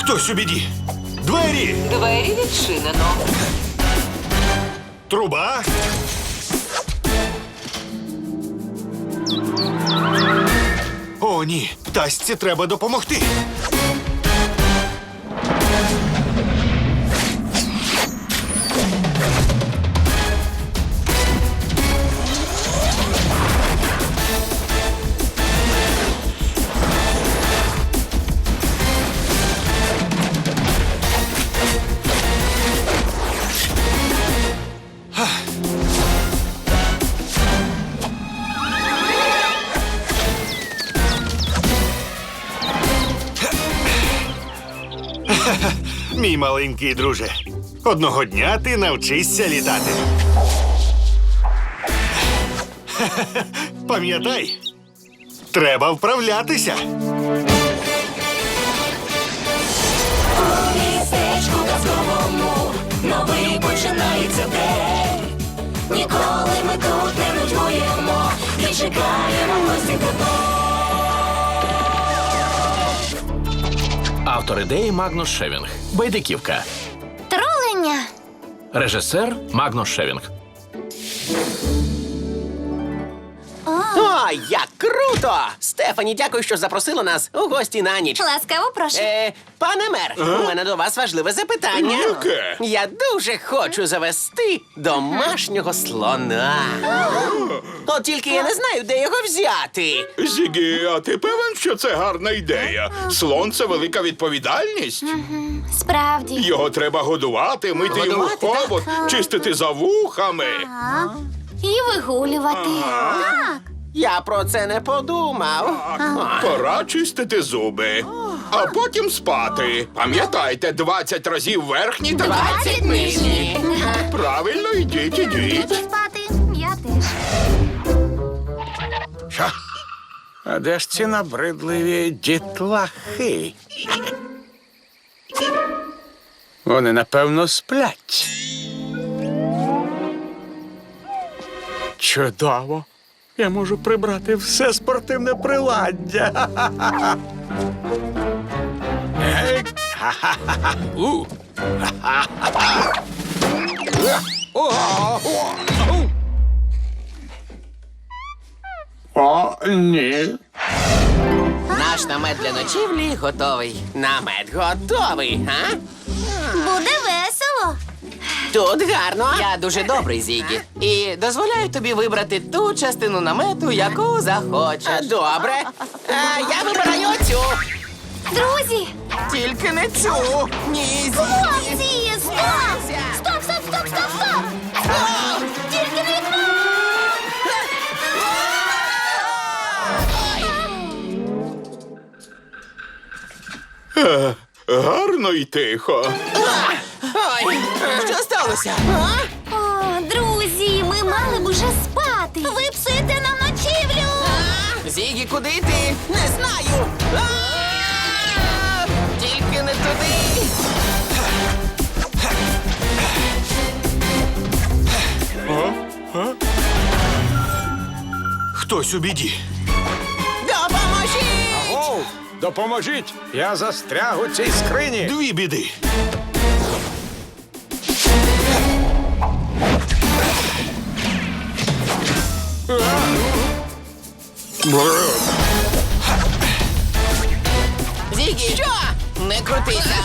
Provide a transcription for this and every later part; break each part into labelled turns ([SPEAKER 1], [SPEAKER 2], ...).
[SPEAKER 1] Хтось у біді. Двері!
[SPEAKER 2] Двері відчинено.
[SPEAKER 1] Труба. О, ні. Птасці треба допомогти. Мій маленький друже, одного дня ти навчишся літати. Пам'ятай, треба вправлятися.
[SPEAKER 3] У містечку казковому новий починається день. Ніколи ми тут не нудьгуємо і чекаємо гості тебе.
[SPEAKER 4] Автор ідеї Магнус Шевінг. Байдиківка.
[SPEAKER 5] Тролення.
[SPEAKER 4] Режисер Магнус Шевінг.
[SPEAKER 6] О, як круто! Стефані, дякую, що запросила нас у гості на ніч.
[SPEAKER 5] Ласкаво прошу.
[SPEAKER 6] Пане мер, у мене до вас важливе запитання.
[SPEAKER 1] Яке?
[SPEAKER 6] Я дуже хочу завести домашнього слона. От тільки я не знаю, де його взяти.
[SPEAKER 7] Зігі, а ти певен, що це гарна ідея? Слон – це велика відповідальність.
[SPEAKER 5] Справді.
[SPEAKER 7] Його треба годувати, мити йому
[SPEAKER 6] Годувати, так.
[SPEAKER 7] хобот, чистити за вухами.
[SPEAKER 5] І вигулювати. Так.
[SPEAKER 6] Я про це не подумав.
[SPEAKER 7] Пора чистити зуби, а потім спати. Пам'ятайте, 20 разів верхні та
[SPEAKER 6] 20 нижні.
[SPEAKER 7] правильно, ідіть.
[SPEAKER 5] Спати я теж.
[SPEAKER 8] Що? А де ж ці набридливі дітлахи? Вони, напевно, сплять. Чудово. Я можу прибрати все спортивне приладдя. Ей, ха-ха-ха. Ха-ха-ха. О, ні.
[SPEAKER 6] Наш намет для ночівлі готовий. Намет готовий, а?
[SPEAKER 5] Буде весело.
[SPEAKER 6] Тут гарно.
[SPEAKER 2] Я дуже добрий, Зігі. І дозволяю тобі вибрати ту частину намету, яку захочеш.
[SPEAKER 6] Добре. Я вибираю цю.
[SPEAKER 5] Друзі,
[SPEAKER 2] Тільки не цю. Ні, Зігі.
[SPEAKER 5] хлопці, стоп! Стоп, стоп, стоп, стоп, стоп! Тільки не від мене!
[SPEAKER 7] Гарно і тихо.
[SPEAKER 6] Ой,
[SPEAKER 2] Що сталося?
[SPEAKER 5] О, друзі, ми мали б уже спати. Ви псуєте нам ночівлю.
[SPEAKER 2] Зігі, куди йти?
[SPEAKER 6] не знаю.
[SPEAKER 2] Тільки не туди.
[SPEAKER 1] Хтось у біді.
[SPEAKER 6] Допоможіть!
[SPEAKER 8] Оу, допоможіть! Я застряг у цій скрині.
[SPEAKER 1] Дві біди.
[SPEAKER 2] Зігі, що? Не крутися.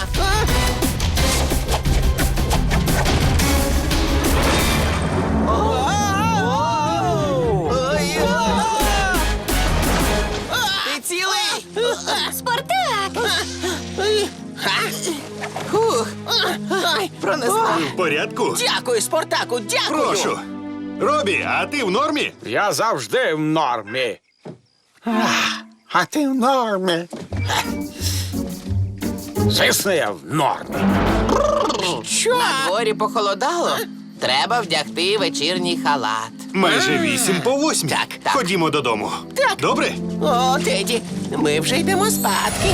[SPEAKER 2] Ти цілий?
[SPEAKER 5] Спартак!
[SPEAKER 2] Хух. Пронесла.
[SPEAKER 1] В порядку?
[SPEAKER 6] Дякую, Спартаку, дякую!
[SPEAKER 1] Прошу. Робі, а ти в нормі?
[SPEAKER 8] Я завжди в нормі. А ти в нормі. Звісно, я в нормі.
[SPEAKER 6] Що?
[SPEAKER 2] На дворі похолодало. Треба вдягти вечірній халат.
[SPEAKER 1] Майже 7:08.
[SPEAKER 2] Так.
[SPEAKER 1] Ходімо додому.
[SPEAKER 6] Так.
[SPEAKER 1] Добре?
[SPEAKER 6] О, Теді, ми вже йдемо спадки.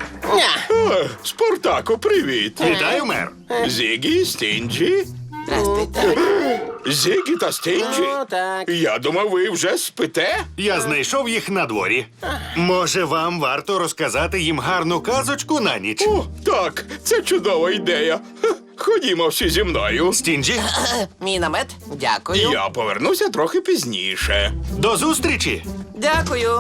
[SPEAKER 7] Спартаку, привіт.
[SPEAKER 1] Вітаю, мер.
[SPEAKER 7] Зігі, Стінджі.
[SPEAKER 2] Здрасте.
[SPEAKER 7] Зігі та Стінджі?
[SPEAKER 6] О, так.
[SPEAKER 7] Я думав, ви вже спите?
[SPEAKER 1] Я знайшов їх на дворі. Може, вам варто розказати їм гарну казочку на ніч?
[SPEAKER 7] О, так, це чудова ідея. Ха, ходімо всі зі мною.
[SPEAKER 1] Стінджі,
[SPEAKER 2] Мій намет? Дякую.
[SPEAKER 7] Я повернуся трохи пізніше.
[SPEAKER 1] до зустрічі!
[SPEAKER 2] Дякую.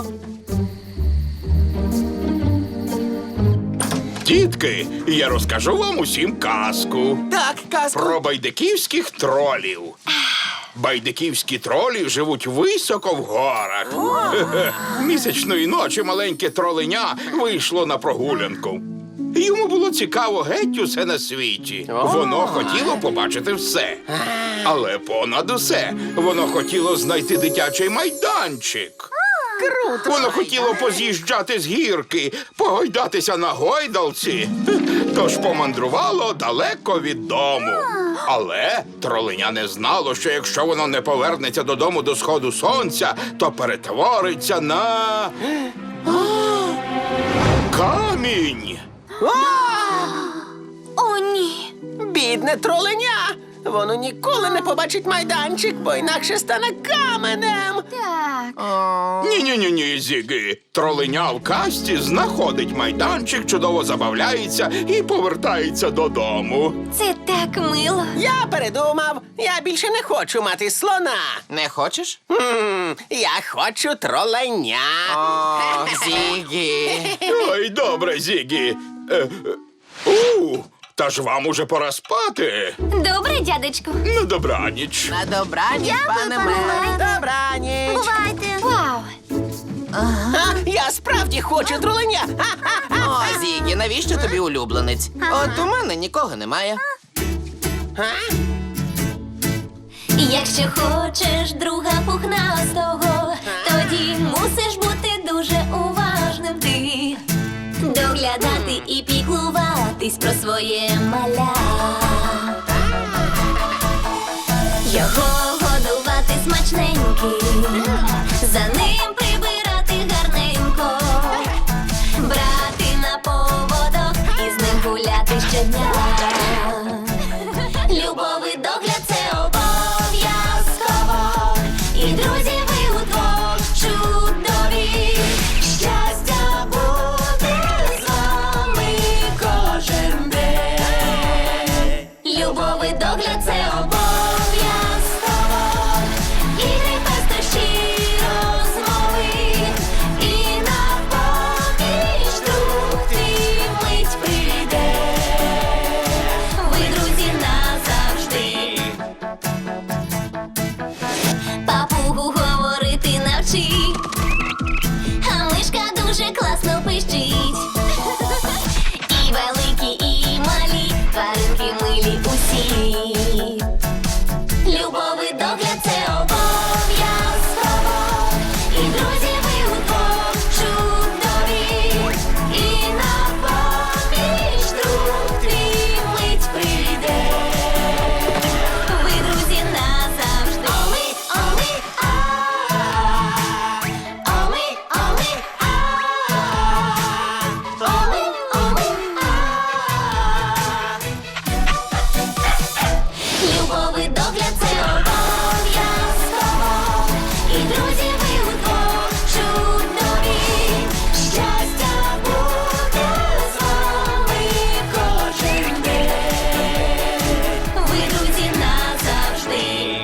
[SPEAKER 7] Дітки, я розкажу вам усім казку
[SPEAKER 2] Так, казку.
[SPEAKER 7] про байдиківських тролів. Байдиківські тролі живуть високо в горах. Хе-хе. Місячної ночі маленьке троленя вийшло на прогулянку. Йому було цікаво геть усе на світі. Воно хотіло побачити все. Але понад усе воно хотіло знайти дитячий майданчик.
[SPEAKER 6] Круто.
[SPEAKER 7] Воно хотіло поз'їжджати з гірки, погойдатися на гойдалці. Тож помандрувало далеко від дому. Але троленя не знало, що якщо воно не повернеться додому до сходу сонця, то перетвориться на камінь.
[SPEAKER 5] О, ні.
[SPEAKER 6] Бідне троленя. Воно ніколи не побачить майданчик, бо інакше стане каменем.
[SPEAKER 5] Так.
[SPEAKER 7] Ні, Зіги. Троленя в казці знаходить майданчик, чудово забавляється і повертається додому.
[SPEAKER 5] Це так мило.
[SPEAKER 6] Я передумав. Я більше не хочу мати слона.
[SPEAKER 2] Не хочеш?
[SPEAKER 6] Я хочу троленя.
[SPEAKER 2] О, Зігі.
[SPEAKER 7] Ой, добре, Зігі. Та ж вам уже пора спати.
[SPEAKER 5] Добре, дядечку.
[SPEAKER 7] На добраніч.
[SPEAKER 2] На добраніч,
[SPEAKER 5] Дякую,
[SPEAKER 2] пане
[SPEAKER 5] пане
[SPEAKER 2] мер.
[SPEAKER 5] Мер.
[SPEAKER 6] Добраніч.
[SPEAKER 5] Бувайте. Вау.
[SPEAKER 6] Я справді хочу троленя. Ха-ха-ха.
[SPEAKER 2] О, Зігі, навіщо тобі улюбленець? От у мене нікого немає.
[SPEAKER 5] Якщо хочеш друга пухнастого, тоді мусиш бути дуже уважним ти. Доглядати і піклуватись про своє маля. Його годувати смачненьким, за ним прибирати гарненько, брати на поводок і з ним гуляти щодня. Любовий догляд це обов'язково, і друзі ви удвох чудові. Щастя буде з вами кожен день. Любовий догляд це обов'язково, ігри, пестощі, розмови, і на поміч друг твій мить прийде. Ви друзі назавжди. Папугу говорити навчи, а мишка дуже класно пищить. І великі, і малі, тваринки милі усі. Любовий догляд це обов'язково, і друзі ви удвох чудові. І на поміч друг твій мить прийде. Ви друзі назавжди. Оми, любовий догляд це обов'язково, і друзі ви удвох чудові. Щастя буде з вами кожен день. Ви друзі назавжди.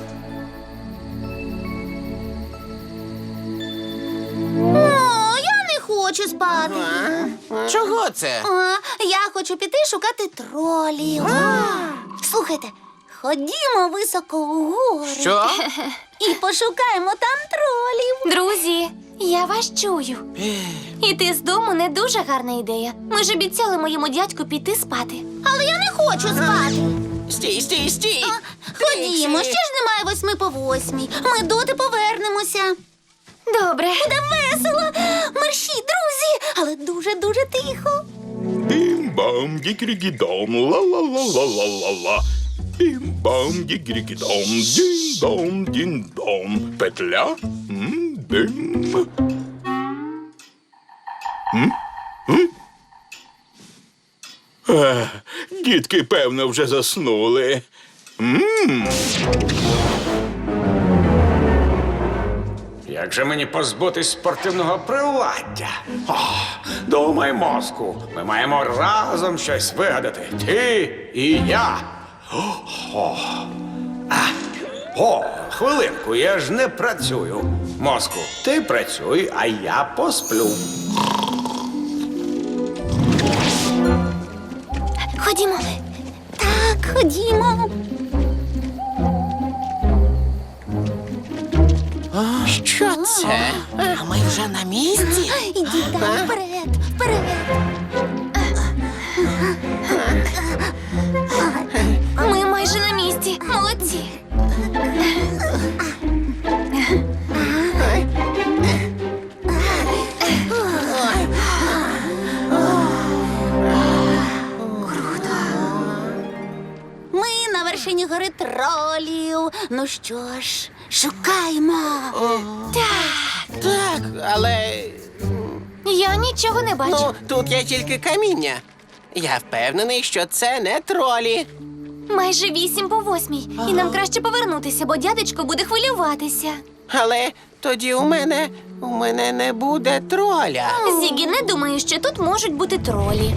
[SPEAKER 5] О, я не хочу спати.
[SPEAKER 2] Чого це?
[SPEAKER 5] Я хочу піти шукати тролів. Слухайте, ходімо високо у гори.
[SPEAKER 2] Що?
[SPEAKER 5] І пошукаємо там тролів. Друзі, я вас чую. Іти з дому не дуже гарна ідея. Ми ж обіцяли моєму дядьку піти спати. Але я не хочу спати.
[SPEAKER 6] Стій, стій, стій.
[SPEAKER 5] Ходімо, ще ж немає 7:08. Ми доти повернемося. Добре. Буде весело. Мерщій, друзі, але дуже-дуже тихо.
[SPEAKER 7] Бім-бам, дікрігідом, ла-ла-ла-ла-ла-ла-ла. Бім-бам, дікрігідом, дін-дом, дін-дом. Петля? Бім. Дітки, певно, вже заснули.
[SPEAKER 8] Як же мені позбутись спортивного приладдя? О, думай, мозку, ми маємо разом щось вигадати. Ти і я. О, хвилинку, я ж не працюю. Мозку, ти працюй, а я посплю.
[SPEAKER 5] Ходімо. Так, ходімо.
[SPEAKER 6] Що це? А ми вже на місці?
[SPEAKER 5] Іди так, вперед, вперед. Ми майже на місці. Молодці. Ми на вершині гори тролів. Ну що ж, шукаємо.
[SPEAKER 6] Так, але
[SPEAKER 5] Я нічого не бачу.
[SPEAKER 6] ну тут є тільки каміння. Я впевнений, що це не тролі.
[SPEAKER 5] Майже 8:08. І нам краще повернутися, бо дядечко буде хвилюватися.
[SPEAKER 6] Але тоді у мене не буде троля.
[SPEAKER 5] Зігі, не думаю, що тут можуть бути тролі.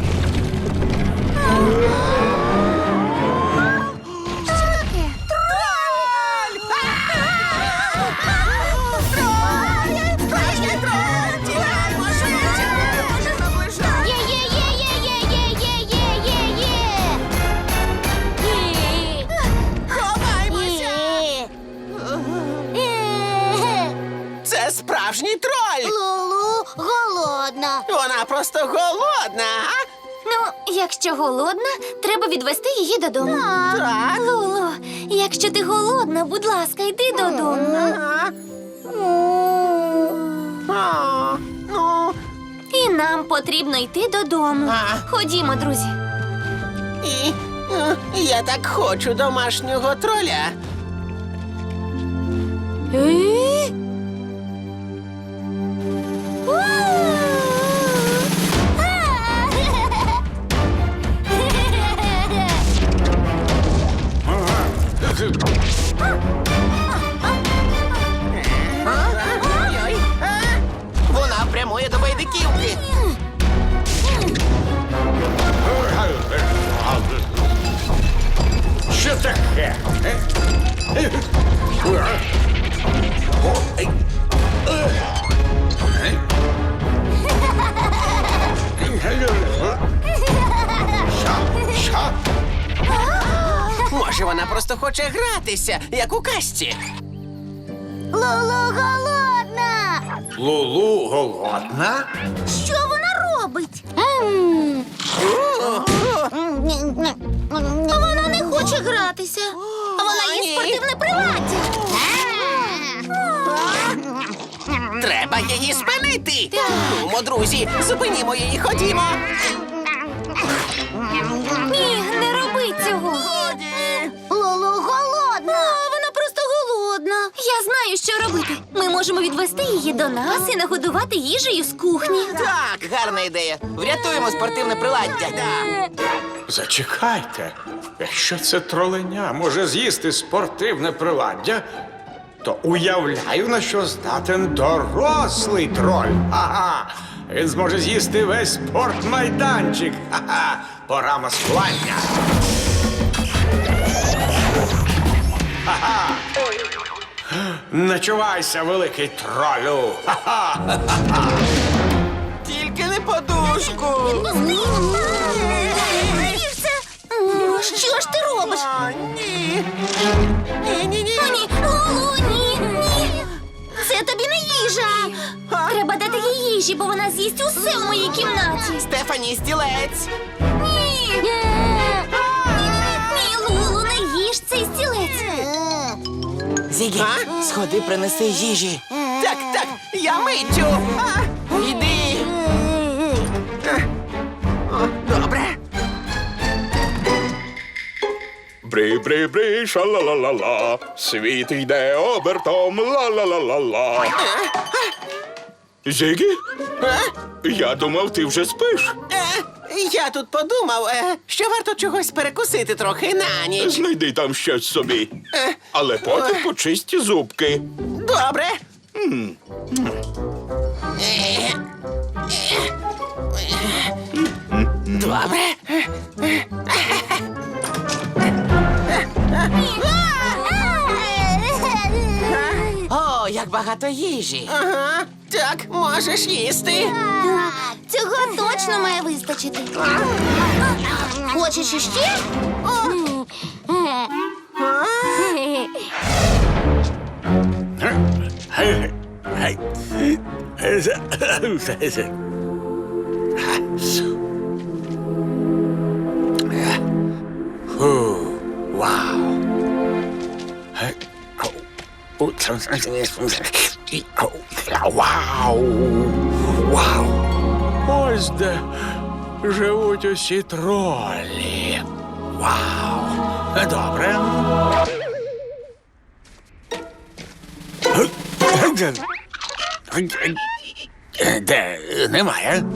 [SPEAKER 6] Це справжній троль!
[SPEAKER 5] Лулу голодна.
[SPEAKER 6] Вона просто голодна. А?
[SPEAKER 5] Ну, якщо голодна, треба відвести її додому.
[SPEAKER 6] Так.
[SPEAKER 5] Лулу, якщо ти голодна, будь ласка, йди додому.
[SPEAKER 6] Ну,
[SPEAKER 5] І нам потрібно йти додому. Ходімо, друзі.
[SPEAKER 6] і я так хочу домашнього троля. Ой-ой. Вона прямує до байдиківки.
[SPEAKER 8] Що таке? Що?
[SPEAKER 6] Може, вона просто хоче гратися, як у казці.
[SPEAKER 5] Лулу голодна.
[SPEAKER 8] Лулу голодна?
[SPEAKER 5] Що вона робить? Вона не хоче гратися. Вона
[SPEAKER 6] Ні.
[SPEAKER 5] їсть спортивне приладдя.
[SPEAKER 6] Треба її спинити. Нумо, друзі, зупинімо її, ходімо.
[SPEAKER 5] Ні, не роби цього. Лулу голодна. Вона просто голодна. Я знаю, що робити. Ми можемо відвести її до нас і нагодувати їжею з кухні.
[SPEAKER 6] Так, гарна ідея. Врятуємо спортивне приладдя.
[SPEAKER 8] Зачекайте. Якщо це троленя може з'їсти спортивне приладдя, то уявляю, на що здатен дорослий троль. Ага. Він зможе з'їсти весь спортмайданчик. Ха-ха. Пора маскування. Ха-ха. Начувайся, великий тролю. Ха-ха.
[SPEAKER 6] Тільки не подушку.
[SPEAKER 5] Що ж ти робиш?
[SPEAKER 6] Ні. Ні.
[SPEAKER 5] О, ні, Лулу, ні, ні. Це тобі не їжа. Треба дати їй їжі, бо вона з'їсть усе в моїй кімнаті.
[SPEAKER 6] Стефані, стілець.
[SPEAKER 5] Ні. Ні, Лулу, не їж цей стілець.
[SPEAKER 2] Зігі, сходи, принеси їжі.
[SPEAKER 6] Так, я миттю. Іди. Добре.
[SPEAKER 7] Бри-бри-бри, ша-ла-ла-ла-ла. Світ йде обертом, ла-ла-ла-ла-ла. Зігі? Я думав, ти вже спиш.
[SPEAKER 6] Я тут подумав, що варто чогось перекусити трохи на ніч.
[SPEAKER 7] Знайди там щось собі. Але потім почисті зубки.
[SPEAKER 6] Добре. Добре. О, як багато їжі. Ага, так, можеш їсти.
[SPEAKER 5] Цього точно має вистачити. Хочеш іще?
[SPEAKER 8] Вау! Ось де живуть усі тролі. Вау! Добре. Де немає?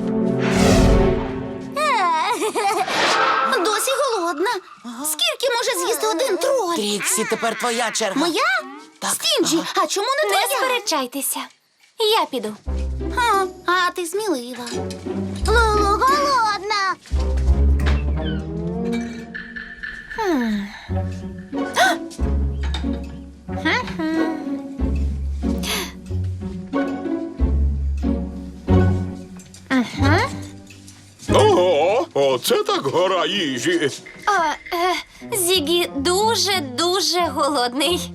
[SPEAKER 5] Досі голодна. Скільки може з'їсти один троль?
[SPEAKER 6] Тріксі, тепер твоя черга.
[SPEAKER 5] Моя?
[SPEAKER 6] Так.
[SPEAKER 5] Стінджі, а чому не твоя? Не сперечайтеся. Я піду. А ти смілива. Лулу голодна.
[SPEAKER 7] Ого, оце так гора їжі.
[SPEAKER 5] Зігі дуже голодний.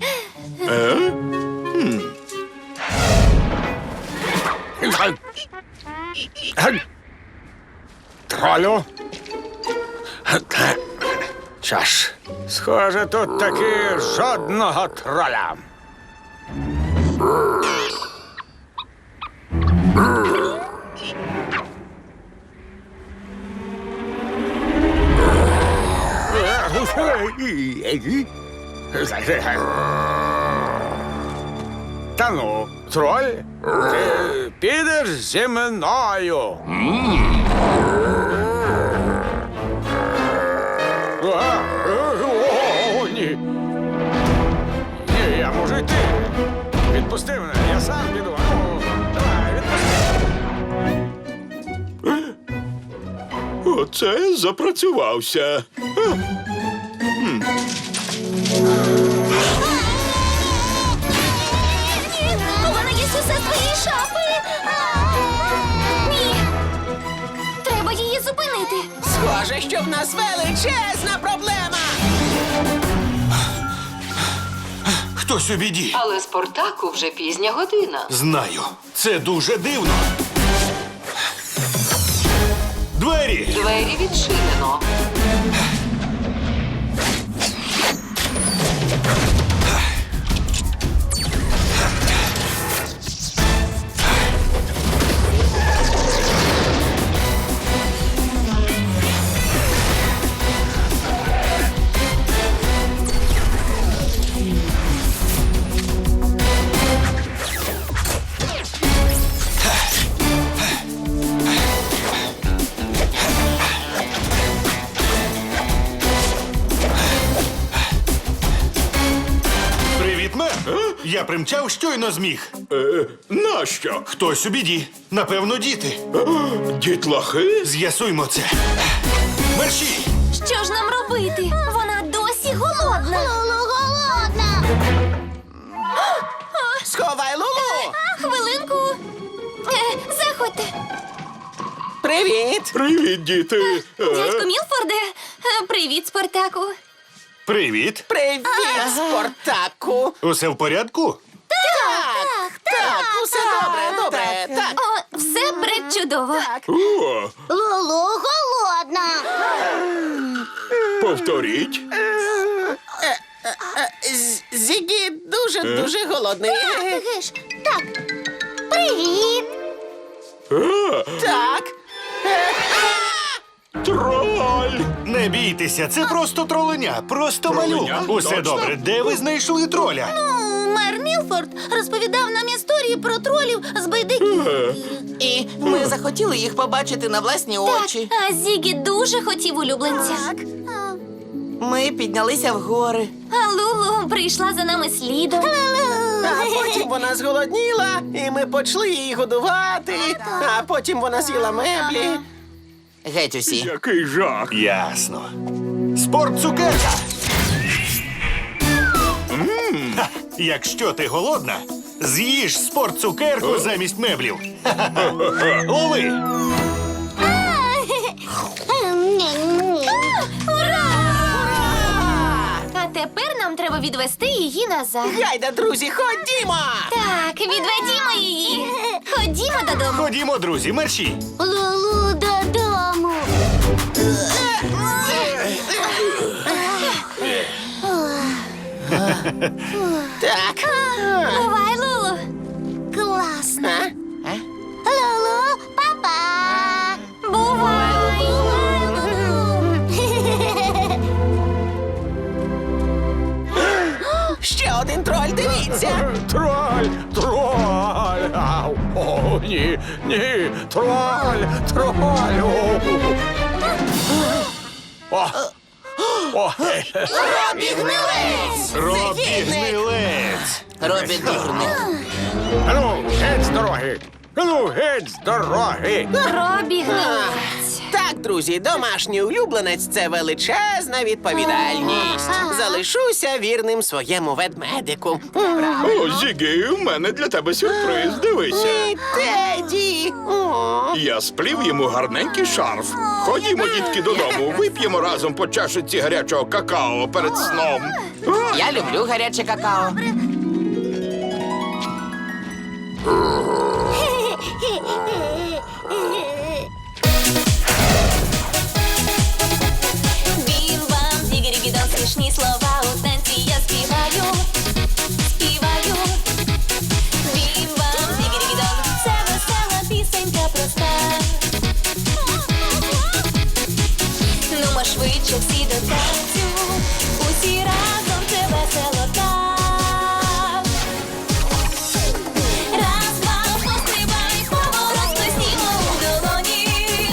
[SPEAKER 8] Тролю. Що ж, схоже, тут таки жодного троля. Та ну, троль, ти підеш зі мною. О, ні. Ні, я можу йти. Відпусти мене, я сам піду. Ну, давай, відпусти.
[SPEAKER 7] Оце запрацювався.
[SPEAKER 5] Вона їсть усе з твоєї шапи. Ні. Треба її зупинити.
[SPEAKER 6] Схоже, що в нас величезна проблема.
[SPEAKER 1] Хтось у біді.
[SPEAKER 9] Але Спартаку вже пізня година.
[SPEAKER 1] Знаю. Це дуже дивно. Двері!
[SPEAKER 9] Двері відчинено.
[SPEAKER 1] Привіт, мер! Я примчав щойно зміг.
[SPEAKER 7] Нащо?
[SPEAKER 1] Хтось у біді. Напевно, діти.
[SPEAKER 7] Дітлахи?
[SPEAKER 1] З'ясуймо це. Мерші!
[SPEAKER 5] Що ж нам робити? Вона досі голодна. Лулу голодна.
[SPEAKER 6] Сховай Лулу.
[SPEAKER 5] Хвилинку. Заходьте.
[SPEAKER 6] Привіт.
[SPEAKER 7] Привіт, діти.
[SPEAKER 5] Дядько Мілфорде. Привіт, Спартаку.
[SPEAKER 1] Привіт.
[SPEAKER 6] Привіт, Спартаку.
[SPEAKER 1] Усе в порядку?
[SPEAKER 6] Так, усе добре. Так.
[SPEAKER 5] О, все пречудово.
[SPEAKER 7] О,
[SPEAKER 5] Лулу голодна.
[SPEAKER 7] повторіть.
[SPEAKER 6] Зігі дуже голодний.
[SPEAKER 5] Геш, так. Привіт.
[SPEAKER 6] Так.
[SPEAKER 7] Троль!
[SPEAKER 1] Не бійтеся, це просто троленя, просто малюк.
[SPEAKER 7] Троленя?
[SPEAKER 1] Усе
[SPEAKER 7] Точно?
[SPEAKER 1] добре. Де ви знайшли троля?
[SPEAKER 5] Мер Мілфорд розповідав нам історії про тролів з байдиківки.
[SPEAKER 6] І
[SPEAKER 2] Робі. Ми захотіли їх побачити на власні очі.
[SPEAKER 5] А Зігі дуже хотів улюбленця.
[SPEAKER 2] Ми піднялися в гори.
[SPEAKER 5] А Лулу прийшла за нами слідом.
[SPEAKER 6] А потім вона зголодніла, і ми почали її годувати. А потім вона з'їла меблі.
[SPEAKER 2] Геть усі.
[SPEAKER 7] Який жах.
[SPEAKER 1] Ясно. Спорт цукерка. Ха, якщо ти голодна, з'їж спорт цукерку замість меблів. Ха-ха-ха. Лови!
[SPEAKER 5] Ура! А тепер нам треба відвести її назад.
[SPEAKER 6] Гайда, друзі, ходімо!
[SPEAKER 5] Так, відведімо її. Ходімо додому.
[SPEAKER 1] Ходімо, друзі, мерщій.
[SPEAKER 5] Лулу додому.
[SPEAKER 6] Так.
[SPEAKER 5] Бувай, Лулу. Класно.
[SPEAKER 6] А?
[SPEAKER 5] Лулу, папа. Бувай.
[SPEAKER 6] Ще один троль, дивіться!
[SPEAKER 8] Троль! Троль! Ау! О, ні! Ні! Троль! Троль! О! О!
[SPEAKER 6] Робі гнилець!
[SPEAKER 1] Робі гнилець.
[SPEAKER 2] Робі дурник.
[SPEAKER 8] Ану, геть з дороги! Ану, геть з дороги!
[SPEAKER 5] Робі гнилець.
[SPEAKER 6] Так, друзі, домашній улюбленець це величезна відповідальність. Залишуся вірним своєму ведмедику.
[SPEAKER 7] О, Зігі, у мене для тебе сюрприз. Дивися.
[SPEAKER 6] Ні, Теді! О.
[SPEAKER 7] Я сплів йому гарненький шарф. Ходімо, дітки, додому. Вип'ємо разом по чашиці гарячого какао перед сном.
[SPEAKER 2] Я люблю гаряче какао.
[SPEAKER 5] Бім-бам, дігері-гідон, смішні слова у танці я співаю. Співаю. Бім-бам, дігері-гідон, це весела пісенька проста. Нумо швидше всі до танцю, усі разом це весело так. Раз, два, пострибай, поворот плеснімо у долоні.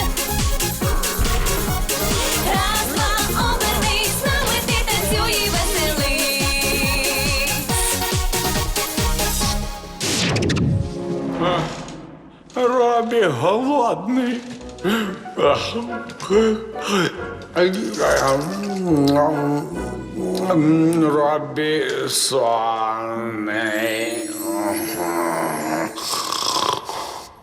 [SPEAKER 5] Раз, два, обернись, з нами ти танцюй і веселись.
[SPEAKER 8] Робі голодний. Робі сонний.